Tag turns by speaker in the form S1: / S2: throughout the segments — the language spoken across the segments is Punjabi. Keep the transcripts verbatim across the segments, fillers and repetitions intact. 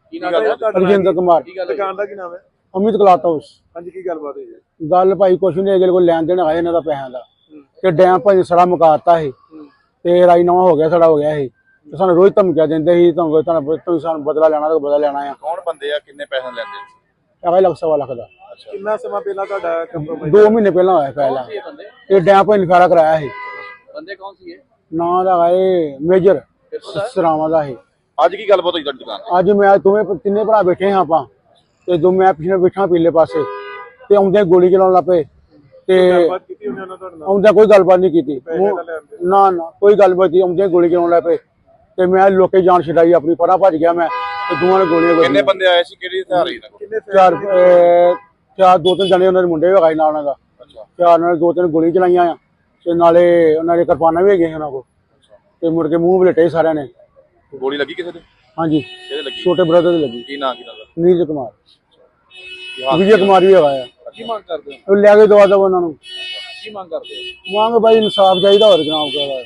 S1: ਕੀ ਨਾਮ ਹੈ ਤੁਹਾਡਾ?
S2: ਰਜਿੰਦਰ ਕੁਮਾਰ।
S1: ਦੁਕਾਨ ਦਾ ਕੀ ਨਾਮ ਹੈ?
S2: Amit cloth house.
S1: ਹਾਂਜੀ, ਕੀ ਗੱਲਬਾਤ ਹੋਈ ਹੈ?
S2: ਗੱਲ ਭਾਈ ਕੁਛ ਨਹੀਂ, ਅਗਲੇ ਕੋਲ ਲੈਣ ਦੇਣ ਆਏ ਇਹਨਾਂ ਦਾ ਪੈਸਿਆਂ ਦਾ ਤੇ ਡੈਮ ਭਾਈ ਸਾਰਾ ਮੁਕਾਤਾ ਸੀ ਤੇ ਰਾਈ ਨਵਾਂ ਹੋ ਗਿਆ, ਸਾਡਾ ਹੋ ਗਿਆ ਸੀ ਤੇ ਸਾਨੂੰ ਰੋਜ਼ ਧਮਕੀਆਂ ਦਿੰਦੇ ਸੀ, ਤੁਹਾਨੂੰ ਤੁਹਾਨੂੰ ਤੁਸੀਂ ਸਾਨੂੰ ਬਦਲਾ ਲੈਣਾ ਤਾਂ ਬਦਲਾ ਲੈਣਾ ਆ।
S1: ਕੌਣ ਬੰਦੇ ਆ, ਕਿੰਨੇ ਪੈਸੇ ਲੈਂਦੇ?
S2: ਹੈਗਾ ਲੱਖ ਸਵਾ ਲੱਖ ਦਾ।
S1: ਕਿੰਨਾ ਸਮਾਂ ਪਹਿਲਾਂ ਤੁਹਾਡਾ ਕੰਪਰੋਮਾਈਜ਼?
S2: ਦੋ ਮਹੀਨੇ ਪਹਿਲਾਂ ਹੋਇਆ ਪਹਿਲਾਂ ਇਹ ਡੈਮ ਭਾਈ ਨਿਫਾਰਾ ਕਰਾਇਆ ਸੀ।
S1: ਬੰਦੇ ਕੌਣ ਸੀ ਇਹ?
S2: ਨਾਂ ਦਾ ਇਹ ਮੇਜਰ ਸਰਾਵਾਂ ਦਾ ਸੀ।
S1: ਅੱਜ ਕੀ ਗੱਲਬਾਤ ਹੋਈ ਤੁਹਾਡੀ ਦੁਕਾਨ?
S2: ਅੱਜ ਮੈਂ ਦੋਵੇਂ ਤਿੰਨੇ ਭਰਾ ਬੈਠੇ ਹਾਂ ਆਪਾਂ ਤੇ ਦੋ ਮੈਂ ਪਿੱਛੇ ਬੈਠਾ ਪੀਲੇ ਪਾਸੇ ਤੇ ਆਉਂਦੇ ਗੋਲੀ ਚਲਾਉਣ ਲੱਗ ਪਏ ਤੇ
S1: ਗੱਲਬਾਤ ਕੀਤੀ ਉਹਨੇ ਉਹਨਾਂ ਤੁਹਾਡੇ ਨਾਲ?
S2: ਆਉਂਦਾ ਕੋਈ ਗੱਲਬਾਤ ਨਹੀਂ ਕੀਤੀ, ਨਾ ਨਾ ਕੋਈ ਗੱਲਬਾਤ ਨਹੀਂ। ਆਉਂਦੇ ਗੋਲੀ ਚਲਾਉਣ ਲੱਗ ਪਏ ਤੇ ਮੈਂ ਲੋਕੇ ਜਾਨ ਛਡਾਈ ਆਪਣੀ, ਪਰਾਂ ਭੱਜ ਗਿਆ ਮੈਂ ਤੇ ਦੋਵਾਂ ਨੇ ਗੋਲੀਆਂ ਵੱਜੀਆਂ।
S1: ਕਿੰਨੇ ਬੰਦੇ ਆਏ ਸੀ, ਕਿਹੜੀ ਹਥਿਆਰ ਸੀ? ਕਿੰਨੇ?
S2: ਚਾਰ ਚਾਰ ਦੋ ਤਿੰਨ ਜਣੇ ਉਹਨਾਂ ਦੇ ਮੁੰਡੇ ਵਗਾਈ ਨਾਲ ਉਹਨਾਂ ਦਾ। ਚਾਰ ਨਾਲ ਦੋ ਤਿੰਨ ਗੋਲੀ ਚਲਾਈਆਂ ਆ ਤੇ ਨਾਲੇ ਉਹਨਾਂ ਦੇ ਕਿਰਪਾਨਾਂ ਵੀ ਹੈਗੀਆਂ ਉਹਨਾਂ ਕੋਲ ਤੇ ਮੁੜ ਕੇ ਮੂੰਹ ਵਲੇਟੇ ਸਾਰਿਆਂ ਨੇ।
S1: ਗੋਲੀ ਲੱਗੀ ਕਿਸੇ ਦੇ?
S2: ਹਾਂਜੀ,
S1: ਕਿਹਦੇ ਲੱਗੀ?
S2: ਛੋਟੇ ਬ੍ਰਦਰ ਦੇ ਲੱਗੀ।
S1: ਕੀ ਨਾਂ ਕੀ ਨਾਮ?
S2: ਨੀਰਜ ਕੁਮਾਰ, ਵਿਜੇ ਕੁਮਾਰ ਵੀ ਹੈਗਾ ਆ।
S1: ਕੀ ਮੰਗ ਕਰਦੇ ਹੋ?
S2: ਲੈ ਕੇ ਦਵਾ ਦਵਾ ਉਹਨਾਂ ਨੂੰ।
S1: ਕੀ ਮੰਗ ਕਰਦੇ ਹੋ?
S2: ਮੰਗ ਬਾਈ ਇਨਸਾਫ ਚਾਹੀਦਾ, ਹੋਰ ਜਨਾਬ ਕਹਦਾ।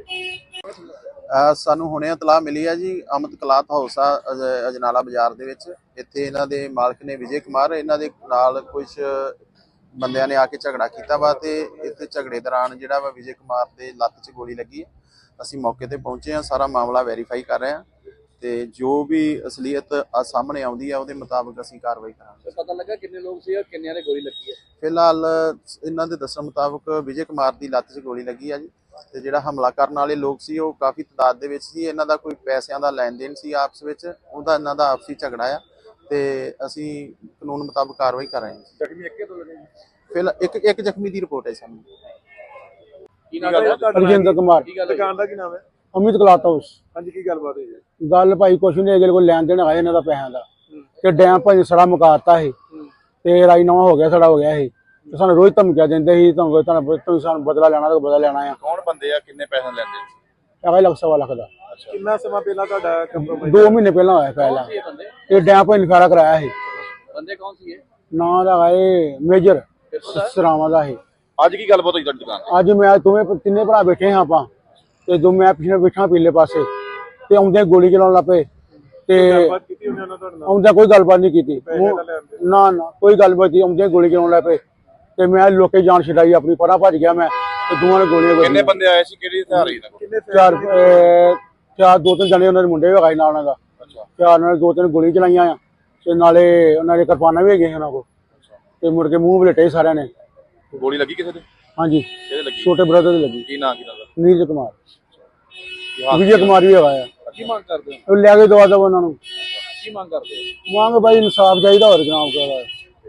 S3: ਸਾਨੂੰ ਹੁਣੇ ਇਤਲਾਹ ਮਿਲੀ ਹੈ ਜੀ, ਅਮਿਤ ਕਲਾਥ ਹਾਊਸ ਆ ਅਜ- ਅਜਨਾਲਾ ਬਾਜ਼ਾਰ ਦੇ ਵਿੱਚ। ਇੱਥੇ ਇਹਨਾਂ ਦੇ ਮਾਲਕ ਨੇ ਵਿਜੇ ਕੁਮਾਰ, ਇਹਨਾਂ ਦੇ ਨਾਲ ਕੁਝ ਬੰਦਿਆਂ ਨੇ ਆ ਕੇ ਝਗੜਾ ਕੀਤਾ ਵਾ ਤੇ ਇੱਥੇ ਝਗੜੇ ਦੌਰਾਨ ਜਿਹੜਾ ਵਾ ਵਿਜੇ ਕੁਮਾਰ ਦੇ ਲੱਤ 'ਚ ਗੋਲੀ ਲੱਗੀ ਹੈ। ਅਸੀਂ ਮੌਕੇ ਤੇ ਪਹੁੰਚੇ ਹਾਂ, ਸਾਰਾ ਮਾਮਲਾ ਵੈਰੀਫਾਈ ਕਰ ਰਹੇ ਹਾਂ ਤੇ ਜੋ ਵੀ ਅਸਲੀਅਤ ਸਾਹਮਣੇ ਆਉਂਦੀ ਆ ਉਹਦੇ ਮੁਤਾਬਕ ਅਸੀਂ ਕਾਰਵਾਈ ਕਰਾਂਗੇ।
S1: ਪਤਾ ਲੱਗਾ ਕਿੰਨੇ ਲੋਕ ਸੀ ਔਰ ਕਿੰਨਿਆਂ ਨੇ ਗੋਲੀ ਲੱਗੀ ਹੈ?
S3: ਫਿਲਹਾਲ ਇਹਨਾਂ ਦੇ ਦੱਸਣ ਮੁਤਾਬਕ ਵਿਜੇ ਕੁਮਾਰ ਦੀ ਲੱਤ 'ਚ ਗੋਲੀ ਲੱਗੀ ਆ ਜੀ ਤੇ ਜਿਹੜਾ ਹਮਲਾ ਕਰਨ ਵਾਲੇ ਲੋਕ ਸੀ ਉਹ ਕਾਫੀ ਤਾਦਾਦ ਦੇ ਵਿੱਚ ਸੀ। ਇਹਨਾਂ ਦਾ ਕੋਈ ਪੈਸਿਆਂ ਦਾ ਲੈਣ ਦੇਣ ਸੀ ਆਪਸ ਵਿੱਚ, ਉਹਦਾ ਇਹਨਾਂ ਦਾ ਆਪਸੀ ਝਗੜਾ ਆ ਤੇ ਅਸੀਂ ਕਾਨੂੰਨ ਮੁਤਾਬਕ ਕਾਰਵਾਈ ਕਰ ਰਹੇ ਹਾਂ।
S1: ਜ਼ਖਮੀ ਇੱਕੇ ਤੋਂ ਲੱਗੇ?
S3: ਫਿਲਹਾਲ ਇੱਕ ਇੱਕ ਜ਼ਖਮੀ ਦੀ ਰਿਪੋਰਟ ਹੈ ਸਾਨੂੰ।
S1: ਕੀ ਨਾਮ ਹੈ ਤੁਹਾਡਾ?
S2: ਰਜਿੰਦਰ ਕੁਮਾਰ।
S1: ਦੁਕਾਨ ਦਾ ਕੀ ਨਾਮ ਹੈ?
S2: Amit cloth house.
S1: ਹਾਂਜੀ, ਕੀ ਗੱਲਬਾਤ ਹੋਈ ਹੈ?
S2: ਗੱਲ ਭਾਈ ਕੁਛ ਨਹੀਂ, ਅਗਲੇ ਕੋਲ ਲੈਣ ਦੇਣ ਆਏ ਇਹਨਾਂ ਦਾ ਪੈਸਿਆਂ ਦਾ ਤੇ ਡੈਮ ਭਾਈ ਸਾਰਾ ਮੁਕਾਤਾ ਸੀ ਤੇ ਰਾਈ ਨਵਾਂ ਹੋ ਗਿਆ, ਸਾਡਾ ਹੋ ਗਿਆ ਸੀ ਤੇ ਸਾਨੂੰ ਰੋਜ਼ ਧਮਕੀਆਂ ਦਿੰਦੇ ਸੀ, ਤੁਹਾਨੂੰ ਤੁਹਾਨੂੰ ਤੁਸੀਂ ਸਾਨੂੰ ਬਦਲਾ ਲੈਣਾ ਤਾਂ ਬਦਲਾ ਲੈਣਾ ਆ।
S1: ਕੌਣ ਬੰਦੇ ਆ, ਕਿੰਨੇ ਪੈਸੇ ਲੈਂਦੇ?
S2: ਹੈਗਾ ਲੱਖ ਸਵਾ ਲੱਖ ਦਾ।
S1: ਕਿੰਨਾ ਸਮਾਂ ਪਹਿਲਾਂ ਤੁਹਾਡਾ ਕੰਪਰੋਮਾਈਜ਼?
S2: ਦੋ ਮਹੀਨੇ ਪਹਿਲਾਂ ਹੋਇਆ ਪਹਿਲਾਂ ਇਹ ਡੈਮ ਭਾਈ ਨਿਫਾਰਾ ਕਰਾਇਆ ਸੀ।
S1: ਬੰਦੇ ਕੌਣ ਸੀ ਇਹ?
S2: ਨਾਂ ਦਾ ਇਹ ਮੇਜਰ ਸਰਾਵਾਂ ਦਾ ਸੀ।
S1: ਅੱਜ ਕੀ ਗੱਲਬਾਤ ਹੋਈ ਤੁਹਾਡੀ ਦੁਕਾਨ?
S2: ਅੱਜ ਮੈਂ ਦੋਵੇਂ ਤਿੰਨੇ ਭਰਾ ਬੈਠੇ ਹਾਂ ਆਪਾਂ ਤੇ ਦੋ ਮੈਂ ਪਿੱਛੇ ਬੈਠਾ ਪੀਲੇ ਪਾਸੇ ਤੇ ਆਉਂਦੇ ਗੋਲੀ ਚਲਾਉਣ ਲੱਗ ਪਏ ਤੇ
S1: ਗੱਲਬਾਤ ਕੀਤੀ ਉਹਨੇ ਉਹਨਾਂ ਤੁਹਾਡੇ ਨਾਲ?
S2: ਆਉਂਦਾ ਕੋਈ ਗੱਲਬਾਤ ਨਹੀਂ ਕੀਤੀ, ਨਾ ਨਾ ਕੋਈ ਗੱਲਬਾਤ ਨਹੀਂ। ਆਉਂਦੇ ਗੋਲੀ ਚਲਾਉਣ ਲੱਗ ਪਏ ਤੇ ਮੈਂ ਲੋਕੇ ਜਾਨ ਛਡਾਈ ਆਪਣੀ, ਪਰਾਂ ਭੱਜ ਗਿਆ ਮੈਂ ਤੇ ਦੋਵਾਂ ਨੇ ਗੋਲੀਆਂ ਵੱਜੀਆਂ।
S1: ਕਿੰਨੇ ਬੰਦੇ ਆਏ ਸੀ, ਕਿਹੜੀ ਹਥਿਆਰ ਸੀ? ਕਿੰਨੇ?
S2: ਚਾਰ ਚਾਰ ਦੋ ਤਿੰਨ ਜਣੇ ਉਹਨਾਂ ਦੇ ਮੁੰਡੇ ਵਗਾਈ ਨਾਲ ਉਹਨਾਂ ਦਾ। ਚਾਰ ਨਾਲ ਦੋ ਤਿੰਨ ਗੋਲੀ ਚਲਾਈਆਂ ਆ ਤੇ ਨਾਲੇ ਉਹਨਾਂ ਦੇ ਕਿਰਪਾਨਾਂ ਵੀ ਹੈਗੀਆਂ ਉਹਨਾਂ ਕੋਲ ਤੇ ਮੁੜ ਕੇ ਮੂੰਹ ਵਲੇਟੇ ਸਾਰਿਆਂ ਨੇ।
S1: ਗੋਲੀ ਲੱਗੀ ਕਿਸੇ ਦੇ?
S2: ਹਾਂਜੀ,
S1: ਕਿਹਦੇ ਲੱਗੀ?
S2: ਛੋਟੇ ਬ੍ਰਦਰ ਦੇ ਲੱਗੀ।
S1: ਕੀ ਨਾਂ ਕੀ ਨਾਮ?
S2: ਨੀਰਜ ਕੁਮਾਰ, ਵਿਜੇ ਕੁਮਾਰ ਵੀ ਹੈਗਾ ਆ।
S1: ਕੀ ਮੰਗ ਕਰਦੇ ਹੋ?
S2: ਲੈ ਕੇ ਦਵਾ ਦਵਾ ਉਹਨਾਂ ਨੂੰ।
S1: ਕੀ ਮੰਗ ਕਰਦੇ ਹੋ?
S2: ਮੰਗ ਬਾਈ ਇਨਸਾਫ ਚਾਹੀਦਾ, ਹੋਰ ਜਨਾਬ ਕਹਦਾ।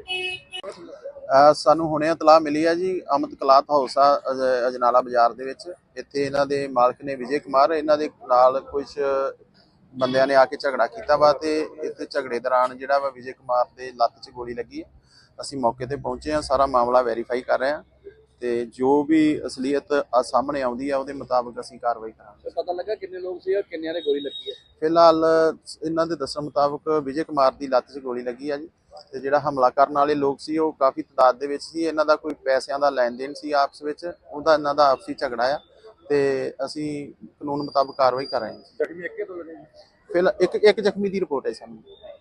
S3: ਸਾਨੂੰ ਹੁਣੇ ਇਤਲਾਹ ਮਿਲੀ ਹੈ ਜੀ, ਅਮਿਤ ਕਲਾਥ ਹਾਊਸ ਆ ਅਜ- ਅਜਨਾਲਾ ਬਾਜ਼ਾਰ ਦੇ ਵਿੱਚ। ਇੱਥੇ ਇਹਨਾਂ ਦੇ ਮਾਲਕ ਨੇ ਵਿਜੇ ਕੁਮਾਰ, ਇਹਨਾਂ ਦੇ ਨਾਲ ਕੁਝ ਬੰਦਿਆਂ ਨੇ ਆ ਕੇ ਝਗੜਾ ਕੀਤਾ ਵਾ ਤੇ ਇੱਥੇ ਝਗੜੇ ਦੌਰਾਨ ਜਿਹੜਾ ਵਾ ਵਿਜੇ ਕੁਮਾਰ ਦੇ ਲੱਤ 'ਚ ਗੋਲੀ ਲੱਗੀ ਹੈ। ਅਸੀਂ ਮੌਕੇ ਤੇ ਪਹੁੰਚੇ ਹਾਂ, ਸਾਰਾ ਮਾਮਲਾ ਵੈਰੀਫਾਈ ਕਰ ਰਹੇ ਹਾਂ ਤੇ ਜੋ ਵੀ ਅਸਲੀਅਤ ਸਾਹਮਣੇ ਆਉਂਦੀ ਆ ਉਹਦੇ ਮੁਤਾਬਕ ਅਸੀਂ ਕਾਰਵਾਈ ਕਰਾਂਗੇ।
S1: ਪਤਾ ਲੱਗਾ ਕਿੰਨੇ ਲੋਕ ਸੀ ਔਰ ਕਿੰਨਿਆਂ ਨੇ ਗੋਲੀ ਲੱਗੀ ਹੈ?
S3: ਫਿਲਹਾਲ ਇਹਨਾਂ ਦੇ ਦੱਸਣ ਮੁਤਾਬਕ ਵਿਜੇ ਕੁਮਾਰ ਦੀ ਲੱਤ 'ਚ ਗੋਲੀ ਲੱਗੀ ਆ ਜੀ ਤੇ ਜਿਹੜਾ ਹਮਲਾ ਕਰਨ ਵਾਲੇ ਲੋਕ ਸੀ ਉਹ ਕਾਫੀ ਤਾਦਾਦ ਦੇ ਵਿੱਚ ਸੀ। ਇਹਨਾਂ ਦਾ ਕੋਈ ਪੈਸਿਆਂ ਦਾ ਲੈਣ ਦੇਣ ਸੀ ਆਪਸ ਵਿੱਚ, ਉਹਦਾ ਇਹਨਾਂ ਦਾ ਆਪਸੀ ਝਗੜਾ ਆ ਤੇ ਅਸੀਂ ਕਾਨੂੰਨ ਮੁਤਾਬਕ ਕਾਰਵਾਈ ਕਰ ਰਹੇ ਹਾਂ।
S1: ਜ਼ਖਮੀ ਇੱਕੇ ਤੋਂ ਲੱਗੇ?
S3: ਫਿਲਹਾਲ ਇੱਕ ਇੱਕ ਜ਼ਖਮੀ ਦੀ ਰਿਪੋਰਟ ਹੈ ਸਾਨੂੰ।